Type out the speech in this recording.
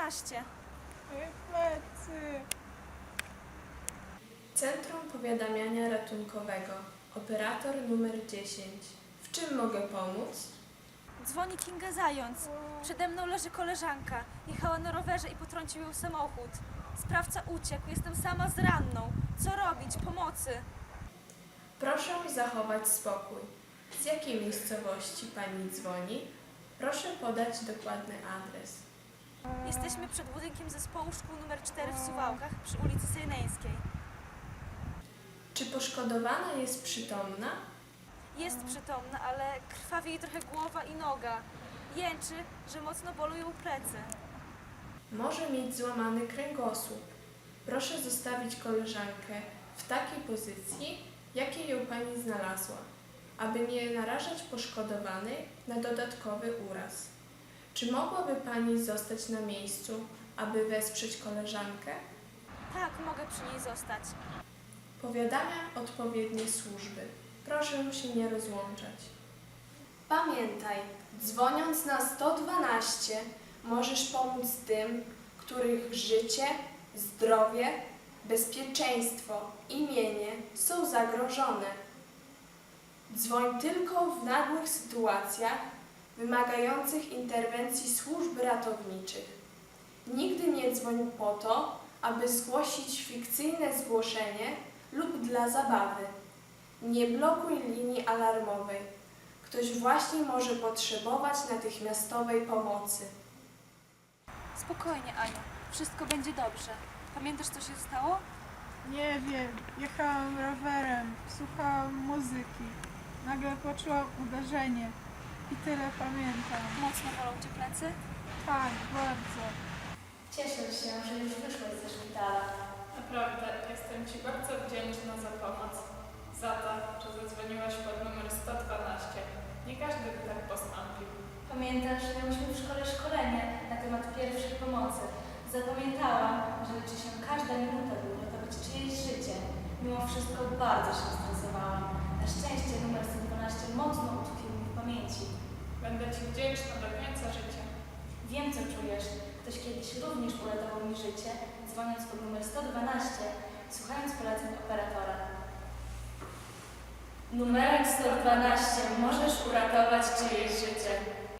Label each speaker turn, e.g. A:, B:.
A: 112.
B: Moje plecy.
C: Centrum Powiadamiania Ratunkowego. Operator numer 10. W czym mogę pomóc?
A: Dzwoni Kinga Zając. Przede mną leży koleżanka. Jechała na rowerze i potrącił ją samochód. Sprawca uciekł. Jestem sama z ranną. Co robić? Pomocy.
C: Proszę zachować spokój. Z jakiej miejscowości pani dzwoni? Proszę podać dokładny adres.
A: Jesteśmy przed budynkiem zespołu szkół nr 4 w Suwałkach przy ulicy Sejneńskiej.
C: Czy poszkodowana jest przytomna?
A: Jest przytomna, ale krwawi jej trochę głowa i noga. Jęczy, że mocno bolują plecy.
C: Może mieć złamany kręgosłup. Proszę zostawić koleżankę w takiej pozycji, jakiej ją pani znalazła, aby nie narażać poszkodowanej na dodatkowy uraz. Czy mogłaby pani zostać na miejscu, aby wesprzeć koleżankę?
A: Tak, mogę przy niej zostać.
C: Powiadamia odpowiednie służby. Proszę się nie rozłączać.
D: Pamiętaj, dzwoniąc na 112 możesz pomóc tym, których życie, zdrowie, bezpieczeństwo i mienie są zagrożone. Dzwoń tylko w nagłych sytuacjach wymagających interwencji służb ratowniczych. Nigdy nie dzwoń po to, aby zgłosić fikcyjne zgłoszenie lub dla zabawy. Nie blokuj linii alarmowej. Ktoś właśnie może potrzebować natychmiastowej pomocy.
A: Spokojnie, Aniu. Wszystko będzie dobrze. Pamiętasz, co się stało?
B: Nie wiem, jechałam rowerem, słuchałam muzyki. Nagle poczułam uderzenie i tyle pamiętam.
A: Mocno bolą cię plecy?
B: Tak, bardzo.
E: Cieszę się, że już wyszłaś ze szpitala.
F: Naprawdę, jestem Ci bardzo wdzięczna za pomoc. Za to, że zadzwoniłaś pod numer 112. Nie każdy by tak postąpił.
E: Pamiętasz, miałyśmy w szkole szkolenie na temat pierwszej pomocy. Zapamiętałam, że liczy się każda minuta, by uratować czyjeś życie. Mimo wszystko bardzo się stresowałam. Na szczęście numer 112 mocno utkwił mi w pamięci.
F: Będę Ci wdzięczna do końca życia.
E: Wiem, co czujesz. Ktoś kiedyś również uratował mi życie, dzwoniąc pod numer 112, słuchając poleceń operatora. Numerem 112 możesz uratować czyjeś życie.